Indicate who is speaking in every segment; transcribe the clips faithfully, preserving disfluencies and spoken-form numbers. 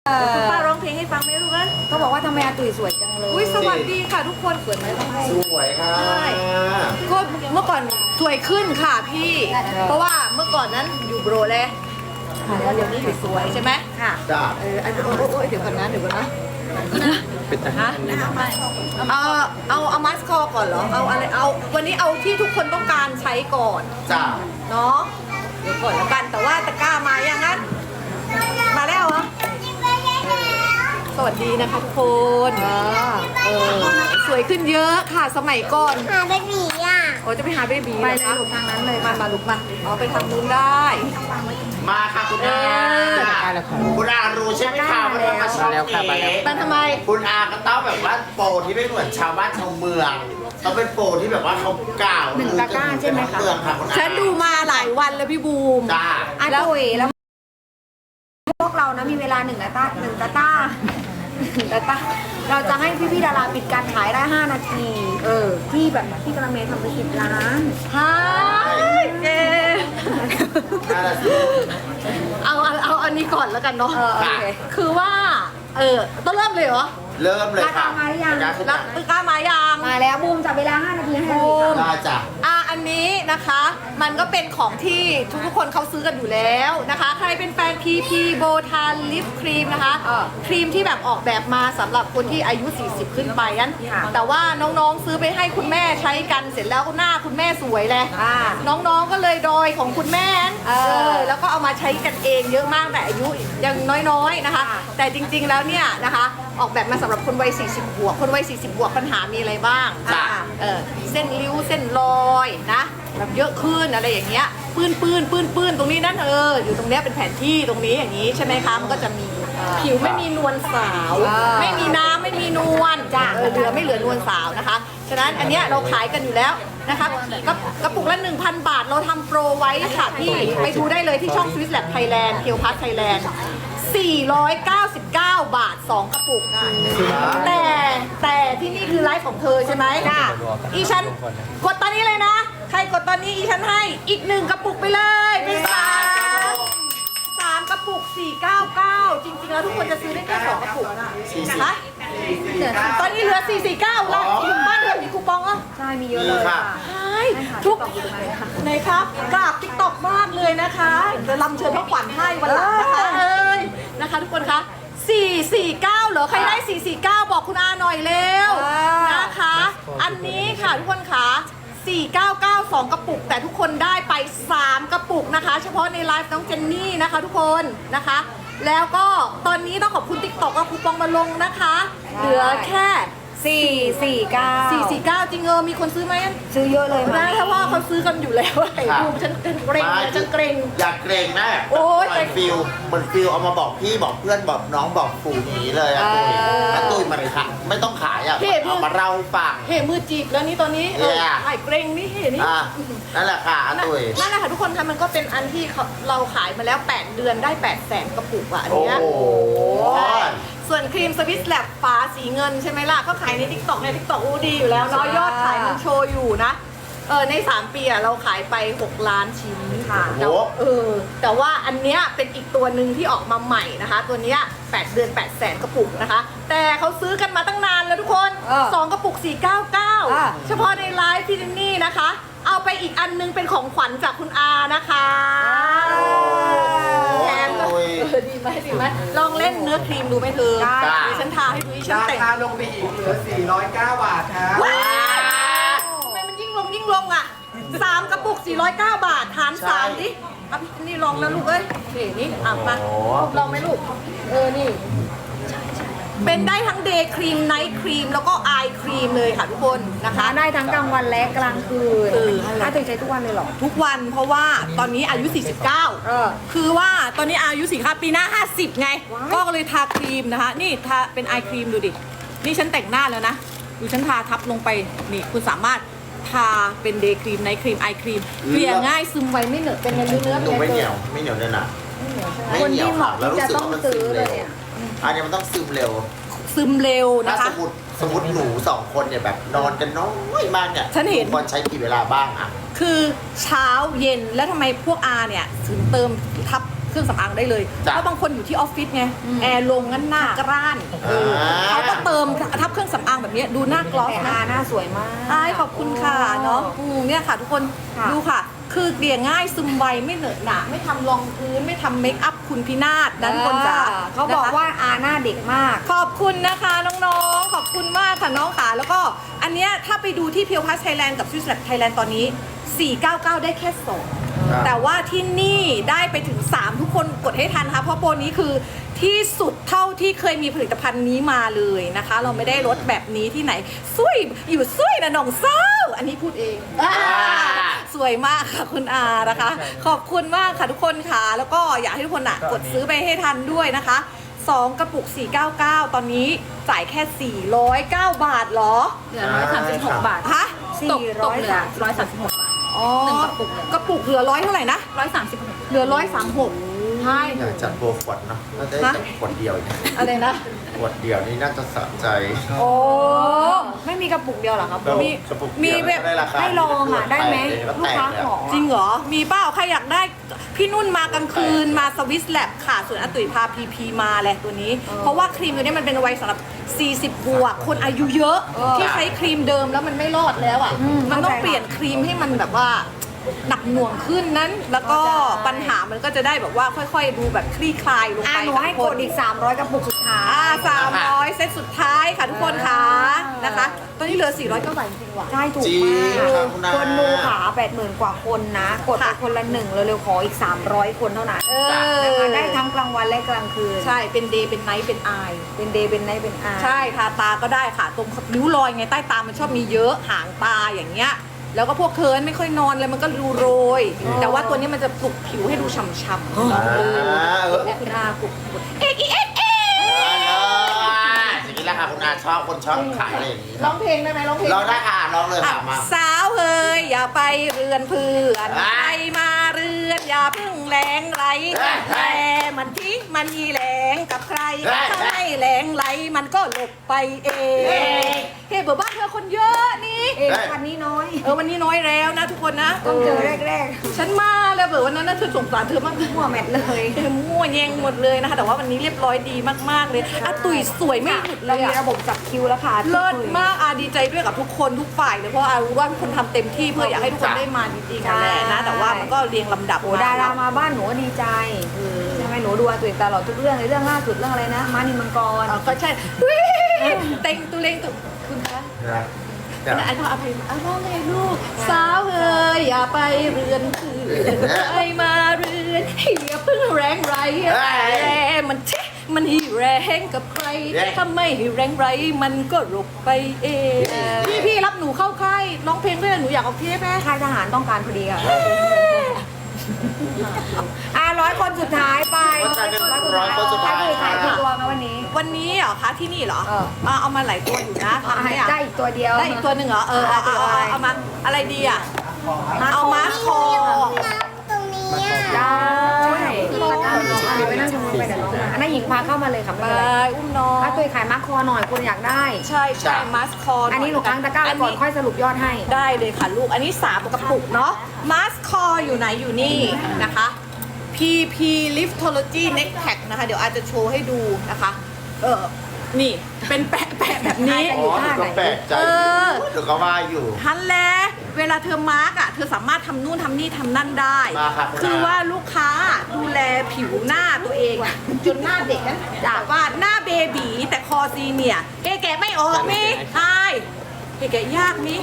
Speaker 1: คุณป้าร้องเพลงให้ฟังไหมลูกนะก็บอกว่าทำไมอาตุ๋ยสวยจังเลยอุ้ยสวัสดีค่ะทุกคนสวยไหมต้องให้
Speaker 2: สวยค่ะ
Speaker 1: ใช่ก็เมื่อก่อนสวยขึ้นค่ะพี่ เพราะว่าเมื่อก่อนนั้นอยู่โบรเลยแล้วเดี๋ยวนี้สวยใช่ไหมค่ะ
Speaker 2: จ้า
Speaker 1: เอออันโอ้ยเดี๋ยวก่อนนะเดี๋ยวก่อนนะ
Speaker 2: เป็นทหาร
Speaker 1: เอาเอาเอามัสคอก่อนเหรอเอาอะไรเอาวันนี้เอาที่ทุกคนต้องการใช้ก่อน
Speaker 2: จ้า
Speaker 1: เนาะเดี๋ยวก่อนแล้วกันแต่ว่าตะกร้ามายังงั้นมาแล้วเหรอสวัสดีนะคะทุกคนเออสวยขึ้นเยอะค่ะสมัยก่อน
Speaker 3: หาเบบีอ่ะ
Speaker 1: โอ้จะไปหาเบบีไปเลยลูกทางนั้นเลยมามาลูกมาอ๋อไปทางนู้นได้
Speaker 2: มาค่ะคุณอาคุณอารู้ใช่ไหมคะว่าต้องมาช่องนี้
Speaker 1: มันทำไม
Speaker 2: คุณอาก็ต้องแบบว่าโปรที่ไม่เหมือนชาวบ้านชาวเมืองต้องเป็นโปรที่แบบว่าเขากล่าว
Speaker 3: หนึ่งตะกร้าใช่ไหมคะ
Speaker 2: เมืองค่ะคุณอา
Speaker 1: ฉันดูมาหลายวันแล้วพี่บูม
Speaker 2: จ้า
Speaker 3: อาตุ๋ยแล้วพวกเรานะมีเวลาหนึ่งตาต้าหนึ่งตาต้าหนึ่งตาต้าเราจะให้พี่พี่ๆดาราปิดการขายได้ห้านาที เออ ที่แบบพี่กระเมย์ทำไปสิบล้าน
Speaker 1: ฮะเจ
Speaker 2: น่ารักสิ
Speaker 1: เอาเอาเอาอันนี้ก่อนแล้วกันเนาะ
Speaker 3: เออโอเค
Speaker 1: คือว่า เออต้องเริ่มเลยเหรอ
Speaker 2: เริ่มเลยค่ะ
Speaker 3: มาหรือยัง
Speaker 2: ตะกร้าขึ้น
Speaker 1: แล้วตะกร้ามายัง
Speaker 3: มาแล้วบูมจับเวลาห้านาทีให้เลยค่ะ
Speaker 2: ได้จ้ะ
Speaker 1: อ่ะอันนี้นะคะ มันก็เป็นของที่ทุกๆคนเขาซื้อกันอยู่แล้วนะคะ ใครเป็นแฟน พี พี โบทานลิปครีมนะคะ
Speaker 3: เออ
Speaker 1: ครีมที่แบบออกแบบมาสำหรับคนที่อายุ สี่สิบ ขึ้นไปนั้น
Speaker 3: ค่ะ
Speaker 1: แต่ว่าน้องๆซื้อไปให้คุณแม่ใช้กันเสร็จแล้วหน้าคุณแม่สวยเลย
Speaker 3: อ่า
Speaker 1: น้องๆก็เลยดอยของคุณแม่
Speaker 3: เออ
Speaker 1: แล้วก็เอามาใช้กันเองเยอะมากแต่อายุยังน้อยๆนะคะ
Speaker 3: ค่ะ
Speaker 1: แต่จริงๆแล้วเนี่ยนะคะ ออกแบบมาสำหรับคนวัย สี่สิบ บวก คนวัย สี่สิบ บวกปัญหามีอะไรบ้าง
Speaker 2: จ้ะ
Speaker 1: อ่ะเออเส้นริ้วเส้นรอยนะแบบเยอะขึ้นอะไรอย่างเงี้ยปื้นปื้นปื้นปื้นตรงนี้นั่นเอออยู่ตรงเนี้ยเป็นแผนที่ตรงนี้อย่างนี้ใช่ไหมคะมันก็จะมีผิวไม่มีนวลสาว
Speaker 3: อ่า
Speaker 1: ไม่มีน้ำไม่มีนวลจ้ะเออเหลือไม่เหลือนวลสาวนะคะฉะนั้นอันเนี้ยเราขายกันอยู่แล้วนะคะกระกระปุกละ หนึ่งพัน บาทเราทำโปรไว้ค่ะพี่ไปดูได้เลยที่ช่อง Swiss Lab Thailand เคียวพัทไทยแลนด์สี่ร้อยเก้าสิบเก้า บาท สอง กระปุก แต่แต่ที่นี่คือไลฟ์ของเธอใช่ไหมค่ะอีฉันกดตอนนี้เลยนะ ใครกดตอนนี้อีฉันให้อีกหนึ่งกระปุกไปเลยเป็นสามสามกระปุกสี่เก้าเก้าจริงๆแล้วทุกคนจะซื้อได้แค่สองกระปุกนะคะตอนนี้เหลือสี่สี่เก้าแล้วบ้านเธอมีคูปองอ่ะ
Speaker 3: ใช่มีเยอะเลยค่ะ
Speaker 1: ใช่ทุกไหนครับกราบติ๊กต็อกมากเลยนะคะจะลำเชิญพระขวัญให้วันหลังนะคะเอ้ยนะคะทุกคนคะสี่สี่เก้าเหรอใครได้สี่สี่เก้าบอกคุณอาหน่อยเร็ว
Speaker 3: อ่าน
Speaker 1: นะคะ อันนี้ค่ะทุกคนคะสี่เก้าเก้า สอง กระปุก แต่ทุกคนได้ไปสามกระปุกนะคะ เฉพาะในไลฟ์น้องเจนนี่นะคะทุกคนนะคะ แล้วก็ตอนนี้ต้องขอบคุณติ๊กต็อกว่าคูปองมาลงนะคะ เหลือแค่
Speaker 3: สี่สี่เก้า
Speaker 1: สี่สี่เก้าจริงเออมีคนซื้อไหม
Speaker 3: ซื้อเยอะเลย
Speaker 1: นะ
Speaker 3: มา
Speaker 1: ถ้าว่าเขาซื้อกันอยู่แล้วไอ้
Speaker 2: ครับ
Speaker 1: บูมฉันเกรงนะฉันเกรง
Speaker 2: อยากเกรงแม่
Speaker 1: โอ๊ย
Speaker 2: เหมือนฟิลเหมือนฟิลเอามาบอกพี่บอกเพื่อนบอกน้องบอกฝูงอย่างนี้เลยอะตุ้ยอะตุ้ยมาเลยค่ะไม่ต้องขายอะเอามาเล่าให้ฟัง
Speaker 1: เห็มือจีบแล้วนี่ตอนนี้เออ
Speaker 2: เนี่ย
Speaker 1: ไอ้เกรงนี่เห็นนี่
Speaker 2: อ่ะนั่นแหละค่ะอะตุ้ย
Speaker 1: นั่นแหละค่ะทุกคนคะมันก็เป็นอันที่เขาเราขายมาแล้ว แปด เดือนได้ แปดแสนกระปุกอ่ะอัน
Speaker 2: โอ้
Speaker 1: เนี้ย
Speaker 2: โห
Speaker 1: ใช่ส่วนครีมสวิสแลบฟ้าสีเงินใช่ไหมล่ะก็ขายในทิกตอกในทิกตอกอู้ดีอยู่แล้วเนาะยอดขายมันโชว์อยู่นะเออในสามปีอะเราขายไปหกล้านชิ้น
Speaker 3: ค่ะ
Speaker 1: แต่ว่าเออแต่ว่าอันเนี้ยเป็นอีกตัวหนึ่งที่ออกมาใหม่นะคะ ตัวเนี้ยแปดเดือนแปดแสนกระปุกนะคะ แต่เขาซื้อกันมาตั้งนานแล้วทุกคน
Speaker 3: เออ
Speaker 1: สองกระปุกสี่เก้าเก้า
Speaker 3: อ่ะ
Speaker 1: เฉพาะในไลฟ์ที่นี่นะคะ เอาไปอีกอันนึงเป็นของขวัญจากคุณอานะคะแถม
Speaker 2: โอ้ย
Speaker 1: เออดีไหมดีไหมลองเล่นเนื้อครีมดูไหมเธอ
Speaker 2: ได้
Speaker 1: ดิฉันทาให้ดูดิฉัน
Speaker 4: รา
Speaker 1: แต่ง
Speaker 4: คาลงไปอีกเหลือ สี่ร้อยเก้า บาทครับ
Speaker 1: ว้าวทำไมมันยิ่งลงยิ่งลงอ่ะสามกระปุกสี่ร้อยเก้า บาทหารสามดิเอาพี่นี่ลองแล้วลูกเอ้ยนี่นี่อ่ะมาลองไหมลูกเออนี่เป็นได้ทั้งเดย์ครีมไนท์ครีมแล้วก็ไอครีมเลยค่ะทุกคนนะคะ
Speaker 3: ทาได้ทั้งกลางวันและกลางคืน
Speaker 1: เออ
Speaker 3: อาตุ๋ยใช้ทุกวันเลยเหรอ
Speaker 1: ทุกวันเพราะว่าตอนนี้อายุ สี่สิบเก้า
Speaker 3: เออ
Speaker 1: คือว่าตอนนี้อายุสี่ค่ะปีหน้า ห้าสิบ ไง
Speaker 3: ว้าย
Speaker 1: ก็เลยทาครีมนะคะ นี่ทาเป็นไอครีมดูดิ นี่ฉันแต่งหน้าแล้วนะ ดูฉันทาทับลงไป นี่คุณสามารถทาเป็นเดย์ครีมไนท์ครีมไอครีมเกลี่ยง่ายซึมไวไม่เหนอะเป็นเนื้อเนื้อ
Speaker 2: หนู
Speaker 1: เป็น
Speaker 2: ไม่เหนี
Speaker 1: เนื้
Speaker 2: ยวไม่เหนียวเลยนะไม่
Speaker 3: คน
Speaker 2: เหนีย
Speaker 3: ที่
Speaker 2: ว
Speaker 3: เห
Speaker 2: ค่ะ
Speaker 3: มาะ
Speaker 2: แล้ว
Speaker 3: ที่
Speaker 2: รู้
Speaker 3: จะ
Speaker 2: สึก
Speaker 3: ต้อง
Speaker 2: ว่ามัน
Speaker 3: ซื้
Speaker 2: ซึ
Speaker 3: อ
Speaker 2: ม
Speaker 3: เล
Speaker 2: เร็
Speaker 3: ยว เนี่ย
Speaker 2: อันนี้มันต้องซึมเร็ว
Speaker 1: ซึมเร็ว
Speaker 2: ถ้า
Speaker 1: นะคะ
Speaker 2: สมมติสมมติหนูสองคนเนี่ยแบบนอนกันน้อยมากเนี่ย
Speaker 1: ฉันเห็น
Speaker 2: ควรใช้กี่เวลาบ้างอะ
Speaker 1: คือเช้าเย็นแล้วทำไมพวกอาเนี่ยถึงเติมทับรื่องสำอางได้เลย
Speaker 2: จ้ะ
Speaker 1: เพราะบางคนอยู่ที่ออฟฟิศไงแอร์ลงงั้นหน้ากร้านเออ
Speaker 2: อ่า
Speaker 1: เขาก็เติมทับเครื่องสำอางแบบนี้ดูหน้ากลอส
Speaker 3: แต่
Speaker 1: นะ
Speaker 3: อาหน้าสวยมาก
Speaker 1: ใช่ขอบคุณค่ะเนาะอืมเนี่ยค่ะทุกคน
Speaker 3: ค่ะ
Speaker 1: ดูค่ะ คือเกลี่ยง่ายซึมไวไม่เหนอะหนะไม่ทำรองพื้นไม่ทำเมคอัพคุณพินาศด้านบนจ๋า
Speaker 3: เขาบอก
Speaker 1: นะคะ
Speaker 3: ว่าอาหน้าเด็กมาก
Speaker 1: ขอบคุณนะคะน้องๆ ขอบคุณมากค่ะน้องขาแล้วก็อันเนี้ยถ้าไปดูที่เพียวพัสไทยแลนด์กับ Swiss Lab Thailand ตอนนี้ สี่เก้าเก้า ได้แค่สอง
Speaker 2: ครับ
Speaker 1: แต่ว่าที่นี่ได้ไปถึง สาม ทุกคนกดให้ทันค่ะเพราะโปรนี้คือที่สุดเท่าที่เคยมีผลิตภัณฑ์นี้มาเลยนะคะ เราไม่ได้ลดแบบนี้ที่ไหนซุยอยู่ซุยนะน้องเศร้าอันนี้พูดเองอ่าสวยมากค่ะคุณอานะคะ ขอบคุณมากค่ะทุกคนค่ะ แล้วก็อยากให้ทุกคนอ่ะกดซื้อไปให้ทันด้วยนะคะสองกระปุก สี่เก้าเก้า ตอนนี้จ่ายแค่ สี่ร้อยเก้า บาทเหรอ
Speaker 5: เหลือร้อยสามสิบหกบาท
Speaker 1: ฮะ
Speaker 5: ตกตกเหลือร้อยสามสิบหกบาท
Speaker 1: อ๋อ
Speaker 5: หนึ่งกระปุกเลย
Speaker 1: กระปุกเหลือร้อยเท่าไหร่นะ
Speaker 5: ร้อยสามสิบหก
Speaker 1: เหลือร้อยสามหกใช่
Speaker 2: อยากจัดโปรขวดเนาะน่าจะได้จัดขวดเดียวอีก
Speaker 1: อะไรนะ
Speaker 2: ขวดเดียวนี่น่าจะสะใจ
Speaker 1: โอ้
Speaker 3: ไม่มีกระปุกเดียวเหรอครับ
Speaker 2: แล้ว
Speaker 1: มี
Speaker 2: กระปุก
Speaker 1: มี
Speaker 2: เดียว
Speaker 1: แบบ
Speaker 2: ได้ราคา
Speaker 3: ให้ลองอ่ะได้ไหม
Speaker 2: แตก
Speaker 3: ลูกค้า
Speaker 2: เลย
Speaker 3: ขอ
Speaker 1: จริงเหรอ มีเป้าใครอยากได้ พี่นุ่นมากลางคืนมาสวิสแลบค่ะ ส่วนอาตุ๋ยพาพีพีมาแหละตัวนี้ เพราะว่าครีมตัวนี้มันเป็นไว้สำหรับ สี่สิบ บวก คนอายุเยอะ ที่ใช้ครีมเดิมแล้วมันไม่รอดแล้วอ่ะ มันต้องเปลี่ยนครีมให้มันแบบว่าหนักหน่วงขึ้นนั้น แล้วก็ปัญหามันก็จะได้แบบว่าค่อยๆ ดูแบบคลี่คลายลง
Speaker 3: อ่ะ
Speaker 1: ไป
Speaker 3: หนูให้กดอีก สามร้อยกระปุกสุดท้าย
Speaker 1: อ่าสามร้อยเซตสุดท้ายค่ะทุกคนค่ะนะคะ ตอนนี้เหลือ สี่ร้อยเก้าบาทจริงๆว่ะ
Speaker 3: ใช่ถูก
Speaker 2: จริง
Speaker 3: มาก
Speaker 2: ครับคุณอา
Speaker 3: คนดูขาแปดหมื่นกว่าคนนะ กดไป
Speaker 1: ค่ะ
Speaker 3: คนละหนึ่งเร็วๆขออีก สามร้อยคนเท่านั้น
Speaker 1: เอ
Speaker 3: นะคะ
Speaker 1: อ
Speaker 3: ได้ทั้งกลางวันและกลางคืน
Speaker 1: ใช่ เป็นเดย์เป็นไนท์เป็นไอ
Speaker 3: เป็นเดย์เป็นไนท์เป็นอา
Speaker 1: ใช่ทาตาก็ได้ค่ะ ตรงริ้วรอยไงใต้ตามันชอบมีเยอะหางตาอย่างเงี้ย แล้วก็พวกเคิร์นไม่ค่อยนอนเลยมันก็รูโรย แต่ว่าตัวนี้มันจะปลุกผิวให้ดูฉ่ำๆ
Speaker 2: อ่า
Speaker 1: เอ
Speaker 2: เอ
Speaker 1: อ
Speaker 2: อ
Speaker 1: เนี่ยคุณอาปลุกเอ็กเอ็กเอ็
Speaker 2: อย่างนี้แหละค่ะคุณอาชอบคนชอบขายอะไรอย่างนี้ค
Speaker 1: ร้
Speaker 2: รั
Speaker 1: อบ งเพลงได้ไหมร้องเพลง
Speaker 2: เราได้ค่ะร้องเลย
Speaker 1: อ่ะ
Speaker 2: ค่ะมา
Speaker 1: สาวเฮยอย่าไปเรือนเพื่อน
Speaker 2: อ่ะ
Speaker 1: ไปมาเรือนอย่าเพึ่งแรงไหล
Speaker 2: เฮ้ย
Speaker 1: แต่มันทิ้งมันยีแหลงกับใคร
Speaker 2: เฮ้ย
Speaker 1: ถ้าไม่แรงไหลมันก็หลบไปเองเฮ้ยเบอร์บ้านเธอคนเยอะนี่
Speaker 3: เองคันนี้น้อย
Speaker 1: เออวันนี้น้อยแล้วนะทุกคนนะ
Speaker 3: ต้องเจอแรก
Speaker 1: ฉันมาแล้วเบอร์วันนั้นนะเธอสงสารเธอมาก
Speaker 3: ๆหัวแมทเลย
Speaker 1: เธอมั่วแยงหมดเลยนะคะ แต่ว่าวันนี้เรียบร้อยดีมากๆเลยอ่ะตุ๋ยสวยไม่หยุดเล
Speaker 3: เรา
Speaker 1: ย
Speaker 3: มี
Speaker 1: อะ
Speaker 3: ระบบจับคิวแล้วค่ะ
Speaker 1: เลิศมากอาดีใจด้วยกับทุกคนทุกฝ่ายเลยเพราะอารู้ว่าทุกคนทำเต็มที่เพื่ออยากให้ทุกคนได้มาจริงๆนั่นแหละนะ แต่ว่ามันก็เรียงลำดับ
Speaker 3: โอ้ดารามาบ้านหนูก็ดีใจใช่ไหมหนูดูอาตุ๋ยตลอดทุกเรื่องเลยเรื่องล่าสุดเรื่องอะไรนะมานิมังกร
Speaker 1: อ๋อก็ใช่ดุยเต็งตุเลงตุคุณคะ
Speaker 2: นะเดี๋
Speaker 1: อั
Speaker 2: ย
Speaker 1: น
Speaker 2: ว
Speaker 1: นั้นอันนั้นอภัยอ่ะร้องไงลูก สาวเอ้ยอย่าไปเรือนเพื่อนไปมาเรือนอย่าเพิ่งแรงไรแรงมันเชะมันให้แรงกับใครถ้าไม่ให้แรงไรมันก็หลบไปเองพี่พี่รับหนูเข้าค่ายร้องเพลงด้วยหนูอยากออกเทปไหม
Speaker 3: ค่ายทหารต้องการพอดีค่ะอ่ะร้อยคนสุดท้ายไป
Speaker 2: วันจันทร์หนึ่งร้อยคนสุดท้าย
Speaker 3: ขายกี่
Speaker 2: ค่ะ
Speaker 3: ตัวมาวันนี้
Speaker 1: วันนี้เหรอคะที่นี่เหรอ
Speaker 3: เออ
Speaker 1: มาเอามาหลายตัวอยู่นะทำ
Speaker 3: ให้
Speaker 1: ให้อะ
Speaker 3: ได้อีกตัวเดียว
Speaker 1: ได้อีกตัวหนึ่งเหรอเออเอาเอาเอาเอามาอะไรดีอ่ะเอามาสคอ
Speaker 3: ได้ตะกร้าไปนั่งชมไปเดี๋ยวน้องมาอันนั้นหญิงพาเข้ามาเลยค่ะ
Speaker 1: ไป
Speaker 3: ไม่เป็นไร
Speaker 1: อุ้มน้อง
Speaker 3: ถ้าตัวขายมาร์คคอหน่อยคุณอยากได้
Speaker 1: ใช่ใช่มาสคอ
Speaker 3: อันนี้หนูค้างตะกร้าไว้ก่อนค่อยสรุปยอดให้
Speaker 1: ได้เลยค่ะลูก อันนี้สามกระปุกเนาะมาสคออยู่ไหนอยู่นี่นะคะ พี พี Liftology Neck Pack นะคะ เดี๋ยวอาจจะโชว์ให้ดูนะคะ เออ นี่เป็นแปะแปะแบบนี้
Speaker 2: อ๋อหนูก็แปลกใจ
Speaker 1: เออ
Speaker 2: หนูก็ว่าอยู่
Speaker 1: ทันแล้วเวลาเธอมาร์กอ่ะ เธอสามารถทำนู่นทำนี่ทำนั่นได้
Speaker 2: มาครับ
Speaker 1: คือว่าลูกค้าดูแลผิวหน้าตัวเองอ่ะ จนหน้าเด็กนั้นจากว่าหน้าเบบีแต่คอซีเนี่ยเก๋แกะไม่ออกมิใช่เก๋แกะยากมิ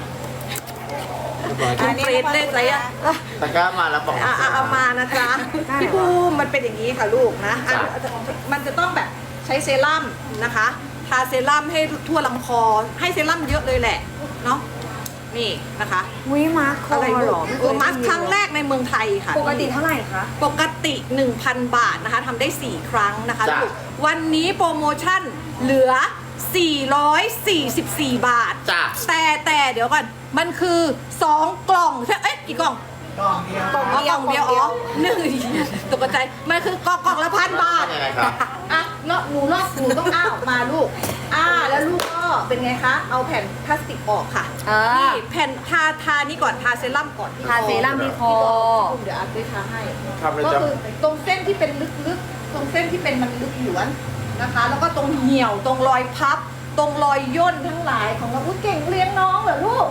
Speaker 1: คุณเฟรดเล่นอะไรอ่ะ
Speaker 2: ตะกร้ามาแล้วบอก
Speaker 1: อ่ะอ่ะเอามานะจ๊ะพี่ภูมิมันเป็นอย่างนี้ค่ะลูกนะอ่ะมันจะต้องแบบใช้เซรั่มนะคะทาเซรั่มให้ทั่วลำคอให้เซรั่มเยอะเลยแหละเนาะนี่นะคะ
Speaker 3: วิมาร์คคอ
Speaker 1: อะไร
Speaker 3: เห
Speaker 1: ห
Speaker 3: ร
Speaker 1: ร
Speaker 3: อ
Speaker 1: อ
Speaker 3: ไม่เค
Speaker 1: เออย มาสครั้งแรกในเมืองไทยค่ะ
Speaker 3: ปกติเท่าไหร่คะ
Speaker 1: ปกติ หนึ่งพัน บาทนะคะทำได้ สี่ ครั้งนะคะ
Speaker 2: จ้ะ
Speaker 1: ลูกวันนี้โปรโมชั่นเหลือ สี่ร้อยสี่สิบสี่ บาท
Speaker 2: จ้ะ
Speaker 1: แต่แต่เดี๋ยวก่อนมันคือ สอง กล่องใช่เอ๊ะกี่กล่อง
Speaker 4: กล่องเดียว
Speaker 1: อ๋อกล่องเดียวอ๋อหนึ่งตกใจมันคือกล่องกล่องละพันบาท
Speaker 2: ยังไงครับ
Speaker 1: อ่ะเนาะหนูลอกหนูต้องอ้าออกมาลูกอ้าแล้วลูกก็เป็นไงคะเอาแผ่นพลาสติกออกค่ะ
Speaker 3: อ่า
Speaker 1: นี่แผ่นทาทานี่ก่อนทาเซรั่มก่อนที่
Speaker 3: ทาเซรั่มที่คอ
Speaker 1: เดี๋ยวอาร์ตไปทาให้
Speaker 2: ทำเลย
Speaker 1: ก็
Speaker 2: จ้ะ
Speaker 1: คือตรงเส้นที่เป็นลึกๆ ตรงเส้นที่เป็นมันลึกหยวนนะคะ แล้วก็ตรงเหี่ยว ตรงรอยพับ ตรงรอยย่นทั้งหลายของเราอุ้ยเก่งเลี้ยงน้องเหรอลูก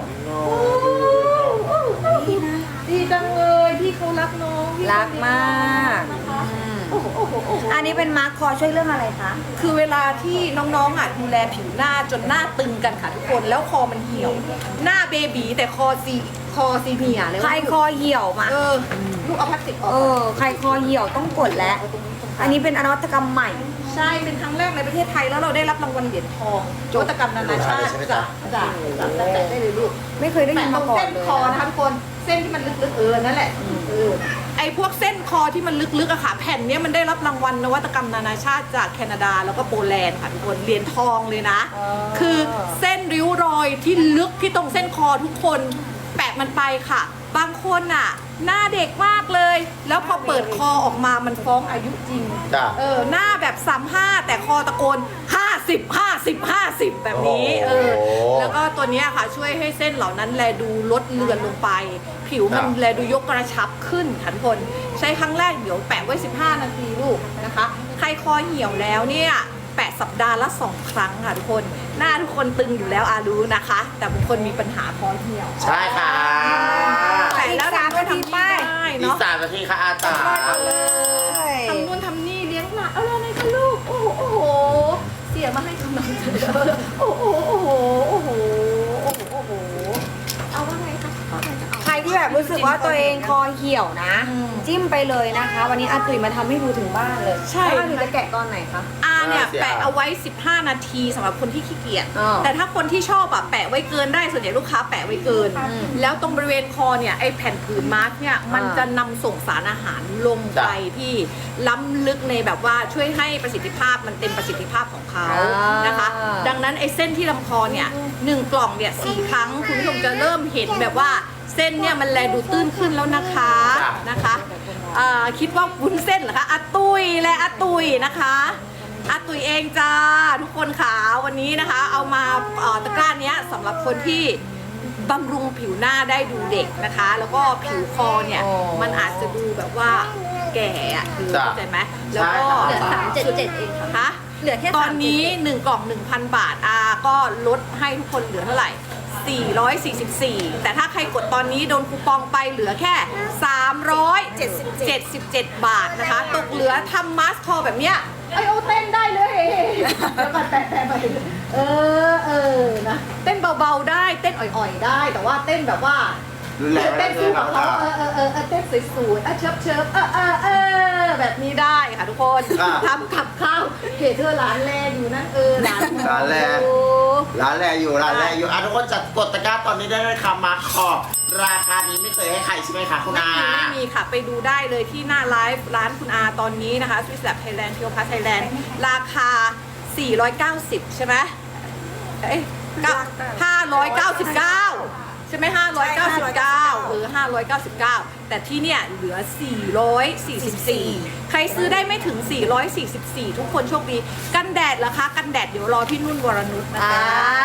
Speaker 1: ดีนะดีจังเลยพี่เขารักน้องพี่
Speaker 3: รักมาก
Speaker 1: นะคะโอ้โหโอ้โหโอ้โห
Speaker 3: อันนี้เป็นมาร์คคอช่วยเรื่องอะไรคะ
Speaker 1: คือเวลาที่น้องๆอ่ะดูแลผิวหน้าจนหน้าตึงกันค่ะทุกคน แล้วคอมันเหี่ยว หน้าเบบีแต่คอซีคอซีเมียเลย
Speaker 3: ใครคอเหี่ยวมา
Speaker 1: เออลูกเอาพลาสติกออก
Speaker 3: เออ ใครคอเหี่ยวต้องกดแล้ว อันนี้เป็นอนวัตกรรมใหม่
Speaker 1: ใช่เป็นครั้งแรกในประเทศไทยแล้วเราได้รับรางวัลเหรียญทองนวัตกรรมนานาชาติจ้ะจ้ะจ้ะแตะได้เลยลูก
Speaker 3: ไม่เคยได้ยิ
Speaker 1: แตะ
Speaker 3: น
Speaker 1: ตร
Speaker 3: มาง ก่อน
Speaker 1: เส้น
Speaker 3: เลย
Speaker 1: คอนะคะทุกคนเส้นที่มันลึกๆเออนั่นแหละเออไอพวกเส้นคอที่มันลึกๆอะค่ะแผ่นเนี้ยมันได้รับรางวัลนวัตกรรมนานาชาติจากแคนาดาแล้วก็โปแลนด์ค่ะทุกคนเหรียญทองเลยนะ คือเส้นริ้วรอยที่ลึกที่ตรงเส้นคอทุกคนแปะมันไปค่ะ บางคนอะหน้าเด็กมากเลย แล้วพอเปิดคอออกมามันฟ้องอายุจริง
Speaker 2: จ้ะ
Speaker 1: เออหน้าแบบสามห้าแต่คอตะโกนห้าสิบ ห้าสิบ ห้าสิบแบบนี้เออ
Speaker 2: โอ้โห
Speaker 1: แล้วก็ตัวเนี้ยค่ะช่วยให้เส้นเหล่านั้นแลดูลดเลือนลงไป ผิวมัน
Speaker 2: จ้ะ
Speaker 1: แลดูยกกระชับขึ้นค่ะทุกคนใช้ครั้งแรกเดี๋ยวแปะไว้สิบห้านาทีลูกนะคะ ใครคอเหี่ยวแล้วเนี่ยแปะสัปดาห์ละสองครั้งค่ะทุกคนหน้าทุกคนตึงอยู่แล้วอารู้นะคะ แต่บางคนมีปัญหาคอเหี่ยว
Speaker 2: ใช่ค่ะ
Speaker 1: แปะแล้วทำนู่นทำนี่ได้
Speaker 2: อีก
Speaker 1: เนาะ
Speaker 2: สามนาทีค่ะอาตา
Speaker 1: ทำนู่นทำนี่เลี้ยงหลานเอาอะไรกันลูก โอ้โห โอ้โห เสียมาให้กำลังใจโอ้โห โอ้โห โอ้โห โอ้โห โอ้โห เอาว่าไงคะเอาไงจะเอา
Speaker 3: ใครที่แบบรู้สึกว่าตัวเองคอเหี่ยวนะ
Speaker 1: อืม
Speaker 3: จิ้มไปเลยนะคะ วันนี้อาตุ๋ยมาทำให้ดูถึงบ้านเลย
Speaker 1: ใช่
Speaker 3: แล้วอาตุ๋ยจะแกะตอนไหนคะ
Speaker 1: อาเนี่ย
Speaker 2: เสีย
Speaker 1: แปะเอาไว้ สิบห้า นาทีสำหรับคนที่ขี้เกียจ
Speaker 3: อ๋อ
Speaker 1: แต่ถ้าคนที่ชอบอะแปะไว้เกินได้ส่วนใหญ่ลูกค้าแปะไว้เกิน
Speaker 3: อืม
Speaker 1: แล้วตรงบริเวณคอเนี่ยไอแผ่นผืนมาร์กเนี่ยมัน
Speaker 3: อ่า
Speaker 1: จะนำส่งสารอาหารลงไปที่ล้ำลึกในแบบว่าช่วยให้ประสิทธิภาพมันเต็มประสิทธิภาพของเขานะคะ ดังนั้นไอเส้นที่ลำคอเนี่ยหนึ่งกล่องเนี่ยสี่ครั้งคุณผู้ชมจะเริ่มเห็นแบบว่าเส้นเนี่ยมันแลดูตื้นขึ้นแล้วนะคะนะคะอ่าคิดว่าวุ้นเส้นเหรอคะอาตุยและอาตุยนะคะอาตุยเองจ้าทุกคนขาวันนี้นะคะ เอามาเอ่อตะกร้าเนี้ยสำหรับคนที่บำรุงผิวหน้าได้ดูเด็กนะคะ แล้วก็ผิวคอเนี่ย
Speaker 3: อ๋อ
Speaker 1: มันอาจจะดูแบบว่าแก่อะคือ
Speaker 2: จ้ะ
Speaker 1: เข้าใจไหมแล้วก็
Speaker 2: ใช่ค่ะ
Speaker 1: เหลือสามเจ็ดเจ็ดเองค่ะ
Speaker 5: เหลือแค่
Speaker 1: ตอนนี้หนึ่งกล่อง หนึ่งพัน บาทอาก็ลดให้ทุกคนเหลือเท่าไหร่ สี่ร้อยสี่สิบสี่ แต่ถ้าใครกดตอนนี้โดนคูปองไปเหลือแค่ สามร้อยเจ็ดสิบเจ็ด บาทนะคะ ตกเหลือทำมาสคอแบบเนี้ยไอโอเต้นได้เลยแล้วก็แปะแปะไปเออเออนะเต้นเบาๆได้เต้นอ่อยๆได้ แต่ว่าเต้นแบบว่า
Speaker 2: รุนแรง
Speaker 1: เต้นสู้กับเขาเออเออเออเออเต้นสวยๆอ่ะเชิบเชิบเออเออเออแบบนี้ได้ค่ะทุกคน
Speaker 2: อ่ะ
Speaker 1: ทำกับข้าวเหตุเธอร้านแรกอยู่นั่นเออร้าน
Speaker 2: ร้านแรก
Speaker 1: โอ้
Speaker 2: ร้านแรกอยู่ร้านแรกอยู่อ่ะทุกคนจัดกดตะกร้าตอนนี้ได้เลยค่ะมาขอบราคานี้ไม่เคยให้ใครใช่ไหมคะคุณ
Speaker 1: ไม่
Speaker 2: อา
Speaker 1: มีไม่มีค่ะ ไปดูได้เลยที่หน้าไลฟ์ร้านคุณอาตอนนี้นะคะ Swiss Lab Thailand เพียวพัทไทยแลนด์ราคา สี่ร้อยเก้าสิบ ใช่ไหมเอ้ยห้าร้อยเก้าสิบเก้าใช่ไหมห้าร้อยเก้าสิบเก้าเออห้าร้อยเก้าสิบเก้าแต่ที่เนี่ยเหลือ สี่ร้อยสี่สิบสี่ ใครซื้อได้ไม่ถึง สี่ร้อยสี่สิบสี่ ทุกคนโชคดี กันแดดเหรอคะ กันแดดเดี๋ยวรอพี่นุ่นวรนุชนะคะ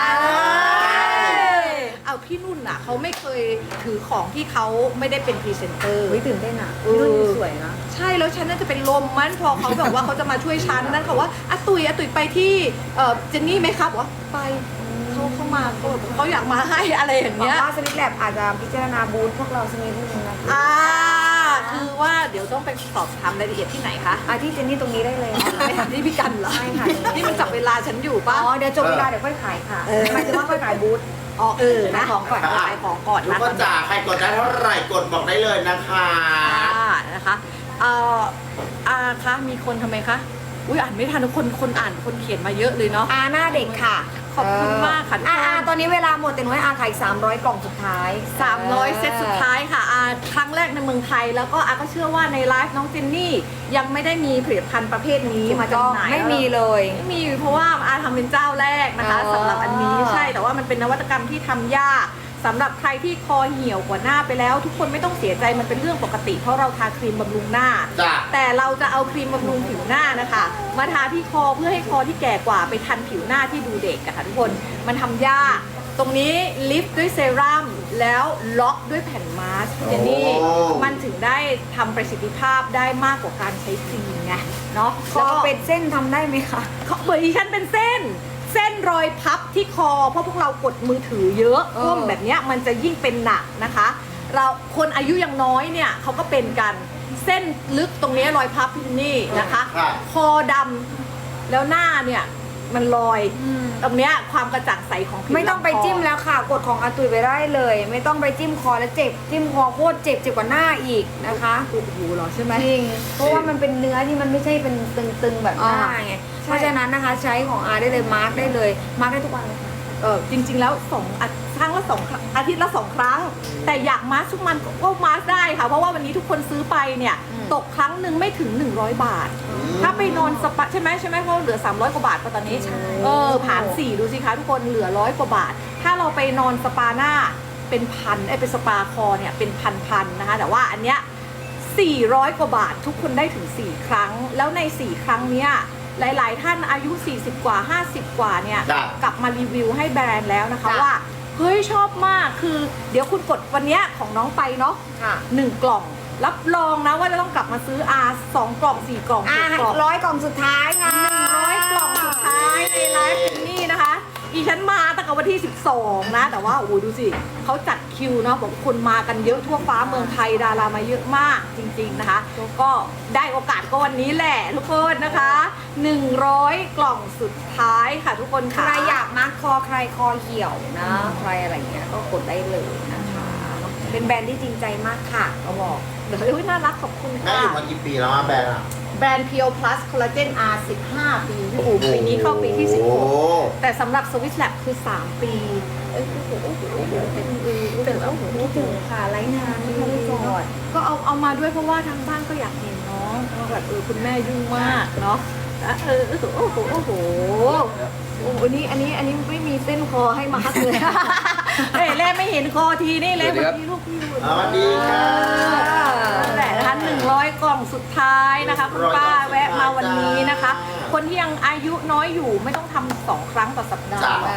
Speaker 1: เอาพี่นุ่นอ่ะเขาไม่เคยถือของที่เขาไม่ได้เป็นพรีเซนเตอร์
Speaker 3: วิตื่นเต้นอ่ะ
Speaker 1: เออ
Speaker 3: รุ่นนี้สวยนะ
Speaker 1: ใช่แล้วฉันน่าจะเป็นลมมันพอเขาแบบว่าเขาจะมาช่วยฉันนั่นเขาว่าอาตุยอาตุยไปที่เอ่อเจนนี่ไหมครับว่าไปเขาเข้ามาเขาแบบเขาอยากมาให้อะไรอย่าง
Speaker 3: หวัง
Speaker 1: เงี้ย
Speaker 3: ว่าสวิตแลบอาจจะพิจารณาบูธพวกเราสักนิดนึงนะคะ
Speaker 1: อ่าคือว่าเดี๋ยวต้องไปสอบถามรายละเอียดที่ไหนคะ
Speaker 3: อ่ะที่เจนนี่ตรงนี้ได้เลยค่ะ
Speaker 1: ไม่ถามที่พี่กันเหรอ
Speaker 3: ใช่ค่ะ
Speaker 1: นี่มันจับเวลาฉันอยู่
Speaker 3: อ๋
Speaker 1: ป่ะ
Speaker 3: อเดี๋ยวจบเวลาเดี๋ยวค่อยขายค่ะ
Speaker 1: เออ
Speaker 3: หมายถึงว่าค่อยขายบูธ
Speaker 1: อ๋อเออนะ
Speaker 3: ขายของก่อน
Speaker 1: ขายของก่อน
Speaker 2: ทุก
Speaker 1: นะ
Speaker 2: คนจ๋าใครกดได้เท่าไหร่กดบอกได้เลยนะคะ
Speaker 1: อ่านะคะเอ่ออาคะมีคนทำไมคะอุ้ยอ่านไม่ทันทุกคนคนอ่านคนเขียนมาเยอะเลยเนาะ
Speaker 3: อาหน้าเด็กค่ะ
Speaker 1: ขอบคุณมากค่ะทุกคน
Speaker 3: อ่าอ่าตอนนี้เวลาหมดแต่หนูให้อาขายสามร้อยกล่องสุดท้าย
Speaker 1: สามร้อยเซตสุดท้ายค่ะอาครั้งแรกในเมืองไทย แล้วก็อาก็เชื่อว่าในไลฟ์น้องเจนนี่ยังไม่ได้มีผลิตภัณฑ์ประเภทนี้มาจำหน่าย
Speaker 3: ไม่มีเลย
Speaker 1: ไม่มีเพราะว่าอาทำเป็นเจ้าแรกนะคะ
Speaker 3: อ๋อ
Speaker 1: สำหรับอันนี้ใช่แต่ว่ามันเป็นนวัตกรรมที่ทำยากสสำหรับใครที่คอเหี่ยวกว่าหน้าไปแล้ว ทุกคนไม่ต้องเสียใจมันเป็นเรื่องปกติเพราะเราทาครีมบำรุงหน้า
Speaker 2: จ้ะ
Speaker 1: แต่เราจะเอาครีมบำรุงผิวหน้านะคะมาทาที่คอเพื่อให้คอที่แก่กว่าไปทันผิวหน้าที่ดูเด็กอะค่ะทุกคนมันทำยากตรงนี้ลิฟต์ด้วยเซรั่มแล้วล็อกด้วยแผ่นมาสก์เจนนี่
Speaker 2: โอ้
Speaker 1: มันถึงได้ทำประสิทธิภาพได้มากกว่าการใช้ครีมไงเนาะ
Speaker 3: ค
Speaker 1: แล้
Speaker 3: อ
Speaker 1: วก็
Speaker 3: เป็นเส้นทำได้ไหมคะ
Speaker 1: เขาเบอร์ดิฉันเป็นเส้น เส้นรอยพับที่คอ เพราะพวกเรากดมือถือเยอะ
Speaker 3: เออ
Speaker 1: ก้มแบบเนี้ยมันจะยิ่งเป็นหนักนะคะ เราคนอายุยังน้อยเนี่ยเขาก็เป็นกันเส้นลึกตรงนี้รอยพับที่นี่นะคะ
Speaker 2: ค่ะ
Speaker 1: คอดำแล้วหน้าเนี่ยมันลอยตรงเนี้ยความกระจ่างใสของผิว
Speaker 3: ไม่ต้องไป
Speaker 1: ลำค
Speaker 3: จิ้มแล้วค่ะ กดของอาตุยไปได้เลย ไม่ต้องไปจิ้มคอแล้วเจ็บ จิ้มคอโคตรเจ็บเจ็บกว่าหน้าอีกนะคะ
Speaker 1: โอ้โหเหรอใช่ไหม
Speaker 3: จริงเพราะว่ามันเป็นเนื้อที่มันไม่ใช่เป็นตึงๆแบบหน้า
Speaker 1: อ่า
Speaker 3: ไง
Speaker 1: ใช่
Speaker 3: เพราะฉะนั้นนะคะใช้ของอาได้เลยมาร์กได้เลยมาร์กได้ทุกวันเลยค่ะ
Speaker 1: เออจริงๆแล้วสองอาครั้งละสองครั้งอาทิตย์ละสองครั้ง แต่อยากมาสก์ทุกมันก็มาสก์ได้ค่ะ เพราะว่าวันนี้ทุกคนซื้อไปเนี่ย
Speaker 3: อืม
Speaker 1: ตกครั้งหนึ่งไม่ถึง หนึ่งร้อย บาท ถ้าไปนอนสปาใช่ไหมใช่ไหมเพราะเหลือ สามร้อย กว่าบาทป่ะตอนนี้ เออผ่านสี่ดูสิคะทุกคนเหลือร้อยกว่าบาท ถ้าเราไปนอนสปาหน้าเป็นพันไอ้ยเป็นสปาคอเนี่ยเป็นพันๆนะคะ แต่ว่าอันเนี้ยสี่ร้อยกว่าบาททุกคนได้ถึงสี่ครั้ง แล้วในสี่ครั้งเนี้ยหลาย ๆ ท่านอายุสี่สิบกว่าห้าสิบกว่าเนี่ย
Speaker 2: จ้ะ
Speaker 1: กลับมารีวิวให้แบรนด์แล้วนะคะ
Speaker 3: จ้ะ
Speaker 1: ว่าเฮ้ยชอบมากคือเดี๋ยวคุณกดวันเนี้ยของน้องไปเนาะ
Speaker 3: ค่ะ
Speaker 1: หนึ่งกล่อง รับรองนะว่าจะต้องกลับมาซื้ออาสองกล่องสี่กล่อง
Speaker 3: อ่า
Speaker 1: หกกล่อง
Speaker 3: ร้อยกล่องสุดท้ายค่ะ
Speaker 1: ร้อยกล่องสุดท้ายในไลฟ์นี่นะคะอีฉันมาตั้งแต่วันที่สิบสองนะ แต่ว่าโอ้โหดูสิเขาจัดคิวเนาะบอกคนมากันเยอะทั่วฟ้าเมืองไทยดารามาเยอะมากจริง ๆนะคะ ก็ได้โอกาสก็วันนี้แหละทุกคนนะคะหนึ่งร้อยกล่องสุดท้ายค่ะทุกคน
Speaker 3: ใค
Speaker 1: ค่ะ
Speaker 3: รอยากมาร์กคอใครคอเหี่ยวนะ ใครอะไรเงี้ยก็กดได้เลยนะคะ เป็นแบรนด์ที่จริงใจมากค่ะเขาบอก
Speaker 1: เดี๋ยวเฮ้ยน่ารักขอบคุณ
Speaker 2: แม่
Speaker 1: ค่ะ
Speaker 2: อยู่มากี่ปีแล้วอะแบรนด์อะ
Speaker 1: แบรนด์ Pure Plus Collagen R สิบห้า ปีพี่ปูปีนี้เข้าปีที่สิบหก
Speaker 2: โอ้โห
Speaker 1: แต่สำหรับ Swiss Lab คือ สาม ปีเอ้ยโอ้โหโอ้โหโอ้โหเป็นเออเป็นโอ้โห
Speaker 3: คิดถึงค่ะไลฟ์นานไม่ได้กอด
Speaker 1: ก็เอาเอามาด้วยเพราะว่าทางบ้านก็อยากเห็นน้องว่าแบบเออคุณแม่ยุ่งมากเนาะอ่ะเออโอ้โหโอ้โหโอ้โหอันนี้อันนี้อันนี้ไม่มีเส้นคอให้มาคักเลย เอ้ยแล่ไม่เห็นคอทีนี่เลยวันนี้ลูกพี่ดู
Speaker 2: สวัสดีค่ะ
Speaker 1: นั่นแหละนะคะหนึ่งร้อยกล่องสุดท้ายนะคะคุณป้าแวะมาวันนี้นะคะ คนที่ยังอายุน้อยอยู่ไม่ต้องทำสองครั้งต่อสัปดาห์
Speaker 2: จ้ะ
Speaker 1: หรอก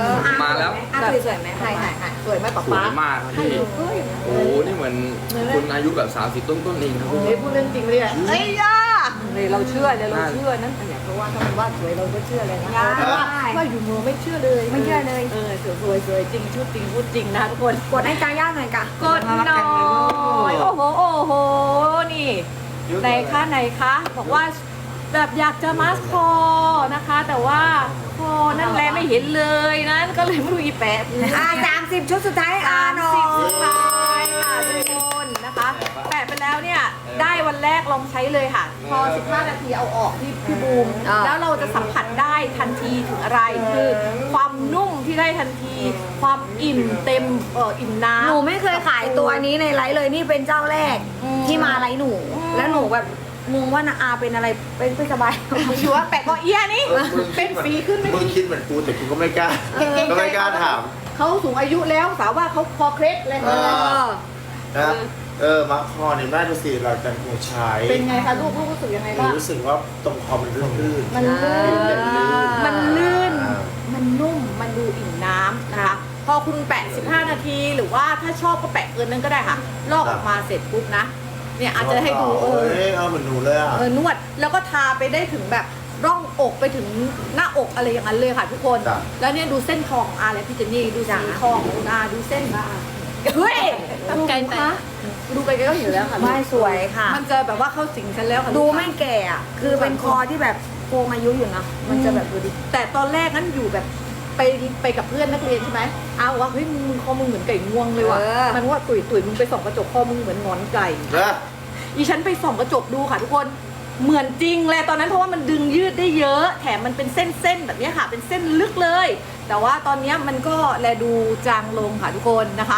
Speaker 6: มาแล้ว
Speaker 3: อ่ะสวยๆไหม
Speaker 1: ใช่ใช่ใช่สวยไหมป๊า
Speaker 6: สว
Speaker 1: ป๊าย
Speaker 6: มากครับ
Speaker 1: ให้
Speaker 6: พี่
Speaker 1: ดูเฮ้ย
Speaker 6: โอ้โหนี่เหมือนคุณอายุแบบสามสิบต้นๆเองครับพี่
Speaker 1: เฮ้ยพูดเรื่องจริงเลยอะเอ้ยย่าเลยเราเชื่อเลยเราเชื่อนั้นแต่เพราะว่าถ้ามันว่าสวยเราก็เชื่อเลยนะเพราะว่าว่าอยู่มือไม่เชื่อเลย
Speaker 3: ไม่เชื่อเลย
Speaker 1: เออสวยสวยสวยจริงชุดจริงพูดจริงนะคะทุกคน
Speaker 3: กดให้กาย่าหน่อยค่ะ
Speaker 1: กดหน่อยโอ้โหโอ้โหนี่ไหนคะไหนคะบอกว่าแบบอยากจะมาสคอนะคะ แต่ว่าคอนั่นแหละไม่เห็นเลยนั้นก็เลยไม่รู้อีแปะ
Speaker 3: อ่าสามสิบชุดสุดท้ายอ่า
Speaker 1: สาม
Speaker 3: หน่อ
Speaker 1: สิบสุด
Speaker 3: ย
Speaker 1: ท้ายค่ะทุกคนนะคะแปะไปแล้วเนี่ยได้วันแรกลองใช้เลยค่ะ พอสิบห้านาทีเอาออกที่พี่บูม
Speaker 3: อ่า
Speaker 1: แล้วเราจะสัมผัสได้ทันทีถึงอะไรคือความนุ่มที่ได้ทันที ความอิ่มเต็มเอออิ่มน้ำ
Speaker 3: หนูไม่เคยขายตัวนี้ในไลฟ์เลยนี่เป็นเจ้าแรก
Speaker 1: อืม
Speaker 3: ที่มาไลฟ์หนู
Speaker 1: อืม
Speaker 3: แล้วหนูแบบงงว่านาอาเป็นอะไรเป็นไม่สบาย
Speaker 1: อยู่ว่าแปะก็เอี้ยนี่เป็นฝีขึ้นไหม
Speaker 2: มึงคิดเหมือนกูแต่กูก็ไม่กล้า
Speaker 1: เก่งๆ
Speaker 2: ก็ไม่กล้าถาม
Speaker 1: เขาสูงอายุแล้วสาวว่าเขาคอเคล็ดอะไรอย่างเงี้ย
Speaker 2: เออ นะครับเออมาคอเนี่ยแม่ดูสิเราจะหัวใช้
Speaker 1: เป็นไงคะลูกลูกรู้สึกยังไง
Speaker 2: หนู
Speaker 1: บ้าง
Speaker 2: รู้สึกว่าตรงคอมันลื่นๆ
Speaker 1: มันลื่น
Speaker 2: ลื่นๆ
Speaker 1: มันลื่น
Speaker 2: อ่า
Speaker 1: มันนุ่ม มันดูอิ่มน้ำนะคะ พอคุณแปะ สิบห้า นาที หรือว่าถ้าชอบก็แปะเกินนั้นก็ได้ค่ะ ลอกออกมาเสร็จปุ๊บนะ เนี่ยอาจจะให้ดูเออ
Speaker 2: เอ้ยเอาเหมือนหนูเลยอ่ะ
Speaker 1: เออนวด แล้วก็ทาไปได้ถึงแบบร่องอกไปถึงหน้าอกอะไรอย่างนั้นเลยค่ะทุกคน
Speaker 2: จ้ะ
Speaker 1: แล้วเนี่ยดูเส้นคอของอาและพี่เจนนี่ดูสีคอของคุณอาดูเส้นเฮ้ยดูไกลคะดูไกลๆก็เห็นแล้วค่ะ
Speaker 3: ไม่สวยค่ะ
Speaker 1: มันจะแบบว่าเข้าสิงฉันแล้วค่ะ
Speaker 3: ดูไม่แก่อะคือเป็นคอที่แบบโกงอายุอยู่นะ มันจะแบบดูดิ
Speaker 1: แต่ตอนแรกนั้นอยู่แบบไปไปกับเพื่อนนักเรียนใช่ไหมอ้าวว่าเฮ้ยมึงมึงคอมึงเหมือนไก่งวงเลยว่ะ
Speaker 3: เออ
Speaker 1: มันว่าตุ๋ยตุ๋ยมึงไปส่องกระจกคอมึงเหมือนงอนไก่
Speaker 2: เนอะ
Speaker 1: อีฉันไปส่องกระจกดูค่ะทุกคนเหมือนจริงเลยตอนนั้นเพราะว่ามันดึงยืดได้เยอะ แถมมันเป็นเส้นๆแบบนี้ค่ะ เป็นเส้นลึกเลย แต่ว่าตอนนี้มันก็แลดูจางลงค่ะทุกคนนะคะ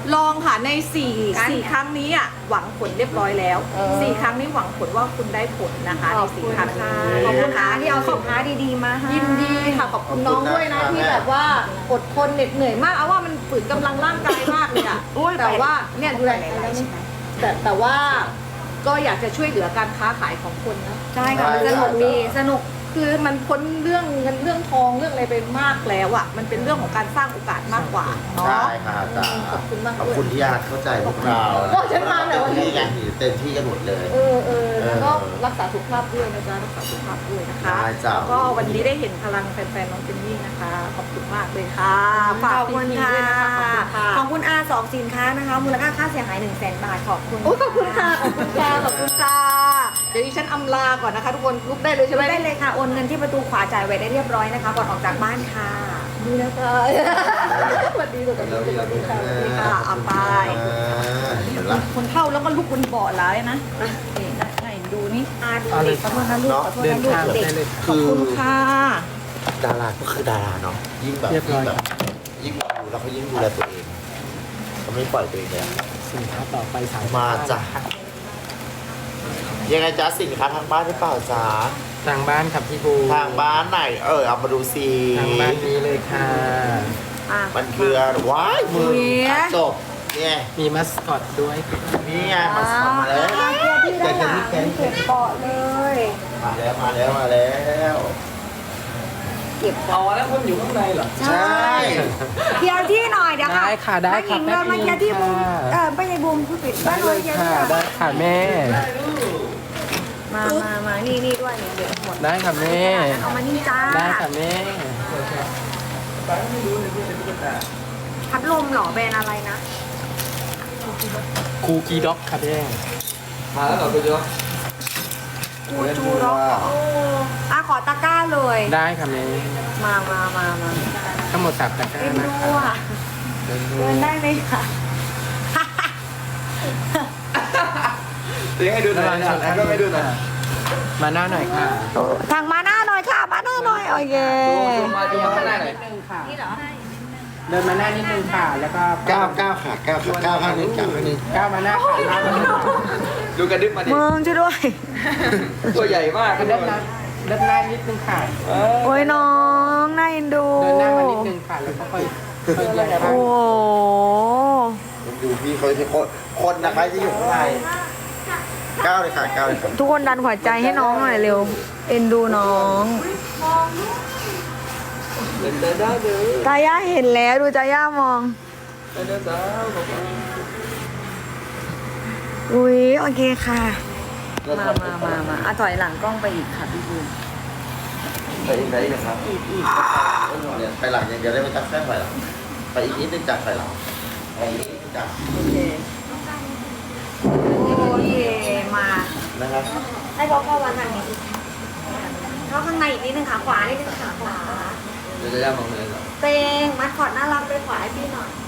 Speaker 1: ลองค่ะในสี่
Speaker 3: การ
Speaker 1: สี่ครั้งนี้อ่ะหวังผลเรียบร้อยแล้ว
Speaker 3: เออ
Speaker 1: สี่ครั้งนี้หวังผลว่าคุณได้ผลนะคะในสี่ครั้งนี้
Speaker 3: ขอบคุณ
Speaker 1: นะ
Speaker 3: ค่ะ
Speaker 1: คะ
Speaker 3: ที่เอาสินค้าดีๆมาให้
Speaker 1: ยินดีค่ะขอบคุณน้องด้วยนะที่แบบว่าอดทนเหน็ดเหนื่อยมากเอาว่ามันฝืนกำลังร่างกายมากเลยอ่ะ
Speaker 3: โอ้ย
Speaker 1: แต่ว่าเนี่ยดูแล
Speaker 3: ไปไหนๆใช่ไหม
Speaker 1: แต่แต่ว่าก็อยากจะช่วยเหลือการค้าขายของคนนะ
Speaker 3: ใช่ค่ะมันสนุกดีสนุก
Speaker 1: คือมันพ้นเรื่องเงินเรื่องทองเรื่องอะไรไปมากแล้วอ่ะมันเป็นเรื่องของการสร้างโอกาสมากกว่าเนาะ
Speaker 2: ใช่ค่ะอาจารย์
Speaker 1: ขอบคุณมาก
Speaker 2: ขอบ
Speaker 1: ด้วย
Speaker 2: คุณที่อาจเข้าใจพวกเรา
Speaker 1: ก็ฉันมาแต่วันนี้
Speaker 2: เต็มที่กันอยู่เต็มที่กันหมดเลย
Speaker 1: เออเออแล้วก็
Speaker 2: เออ
Speaker 1: รักษาสุขภาพด้วยนะจ๊ะรักษาสุขภาพด้วยนะคะ
Speaker 2: ได้จ้ะ
Speaker 1: แล้วก็วันนี้ได้เห็นพลังแฟนๆน้องเจนนี่นะคะขอบคุณมากเลยค่ะ
Speaker 3: ขอบคุณ
Speaker 1: พี่ๆ
Speaker 3: ค่ะ
Speaker 1: ด้วยนะคะ
Speaker 3: ข
Speaker 1: ข
Speaker 3: อ
Speaker 1: อ
Speaker 3: บบ
Speaker 1: คุณค่ะ
Speaker 3: คุณอาสองสินค้านะคะ มูลค่าค่าเสียหาย1นึ่งแสนบาทขอบคุณ
Speaker 1: โอ้ยขอบคุณค่ะขอบคุณค่ะขอบคุณค่ะเดี๋ยวดิฉันอำลาก่อนนะคะ ทุกคนลุกได้เลยใช่ไหม
Speaker 3: ได้เลยค่ะโอนเงินที่ประตูขวาจ่ายไว้ได้เรียบร้อยนะคะก่อนออกจากบ้านค่ะ
Speaker 1: ดีนะคะสวัสดีสวัสดีสวัสดีค่ะสวัสดีค่ะเอาไป
Speaker 2: เออเห็นละ
Speaker 1: คนเข้าแล้วก็ลุกบนเบาะร้ายนะนี่นะไหนดูนี่
Speaker 3: อาเด็กขอโทษนะลูกขอโทษนะลูกเด็ก
Speaker 1: ขอบคุณค่ะ
Speaker 2: ดาราก็คือดาราเนาะยิ่งแบบ
Speaker 6: เรียบร้
Speaker 2: ยิ่
Speaker 6: อง ย
Speaker 2: แบบยิ่งดูแล้วเขายิ่งดูแลตัวเองเขาไม่ปล่อยตัวเองเลยอะ
Speaker 6: สินค้าต่อไปสาย
Speaker 2: มาจ้ะยังไงจ๊ะสินค้าทางบ้านหรือเปล่าจ๊ะ
Speaker 6: ทางบ้านครับพี่บู
Speaker 2: ทางบ้านไหนเออเอามาดูสิ
Speaker 6: ทางบ้านนี้เลยค่ะ
Speaker 3: อ่ะ
Speaker 2: มันคืออะไรว้ายมือ
Speaker 3: เวีย
Speaker 2: อ่ะจบเนี่ย
Speaker 6: มีมัสคอตด้วย
Speaker 2: นี่ไงมาสอนมาแล้ว
Speaker 3: อ่ะเกียร์ที่ด้านหลังเก็บเกาะเลย
Speaker 2: มาแล้วมาแล้วมาแล้ว
Speaker 3: เก็บ
Speaker 6: อ๋อแล้วคนอยู่ข้างในเหรอ
Speaker 2: ใช่
Speaker 3: เคลียร์ที่หน่อยเดี๋ยว
Speaker 6: ได้ค่ะได้
Speaker 3: แม่หญิง
Speaker 6: ค่ะ
Speaker 3: เดินมาเคลียร์ที่บูม
Speaker 6: ได้ค่ะ
Speaker 3: เออไม่ใช่บูมผู้ปิด
Speaker 6: ได้
Speaker 3: บ้าน
Speaker 6: เล
Speaker 3: เลย
Speaker 6: ย
Speaker 3: เคลียร์
Speaker 6: ค่ะ
Speaker 3: ที่
Speaker 6: ได้ค่ะแม่
Speaker 3: มามามานี่นี่ด้วยเนี่ยเดี๋ยวหมด
Speaker 6: ได้ค่ะแม่
Speaker 3: เอามานี่จ้า
Speaker 6: ได้ค่ะแม่
Speaker 3: พัดลมเหรอแบรนด์อะไรนะ
Speaker 6: คูกีด็อกค่ะแม่มาแล้วเหรอคูกีด็อก
Speaker 3: กูจูร็อกโอ้อ่ะขอตะกร้าเลย
Speaker 6: ได้ค่ะแม่
Speaker 3: มามามามา
Speaker 6: ทั้งหมดสามตะกร้า
Speaker 3: เอ็น
Speaker 6: นะ
Speaker 3: ดู
Speaker 6: คะ
Speaker 3: อ่ะเดินได้ไหมคะ
Speaker 6: เดี๋ยวให้ดูหน่อยนะให้ให้ดูหน่อยมาหน้าหน่อยค่ะ
Speaker 3: ทางมาหน้าหน่อยค่ะมาหน้าหน่อยโอเค
Speaker 6: มาเดียวหน้าหน่อยนี่เหรอเดินมาหน้านิดนึงค่ะ แล้วก็
Speaker 2: เก้าเก้าค่ะเก้าค่ะเก้าข้างหนึงเก้าข้างหนึง
Speaker 6: ก้าวมาหน้าค่ะดูกระดึ๊บมาดิ
Speaker 3: มึงช่วยด้วย
Speaker 6: ตัวใหญ่มากเดินหน้าเดินหน้านิดนึงค่ะ
Speaker 3: โอ้ยน้องน่าเอ็นดู
Speaker 6: เดินหน้ามานิดนึงค่ะ แล้วก็ค่อยค่อยเดิน
Speaker 3: โอ้โห
Speaker 2: ดูพี่เขาจะคนคนนะคะที่อยู่ข้างในเก้าเลยค่ะเก้าเลยค่ะ
Speaker 3: ทุกคนดันหัวใจให้น้องหน่อยเร็ว เอ็นดูน้อง
Speaker 6: เดินได้ได้เลย
Speaker 3: จาย่าเห็นแล้วดูจาย่ามอง
Speaker 6: เดินได้ได้บอกว่า
Speaker 3: อุ้ยโอเคค่ะ มามามามาอ่ะถอยหลังกล้องไปอีกค่ะพี่บูม
Speaker 2: ไปอีกไปอีกนะครับอีกอีกเนี่ยไปหลังอย่างเดียวได้ไม่ต้องแค่ไปหลังไปอีกนิดนึงจากไปหลังไปอีกนิดนึงจาก
Speaker 3: โอเคโอเคมา
Speaker 2: นะครับ
Speaker 3: ให้เขาเข้าวันทางนี้เข้าข้างในอีกนิดนึงขาขวานิดนึงขาขวา
Speaker 6: เดี๋ยวจะย่ามองเลยเหรอ
Speaker 3: เตงมัดคอดน่ารักไปขวาให้พี่หน่อย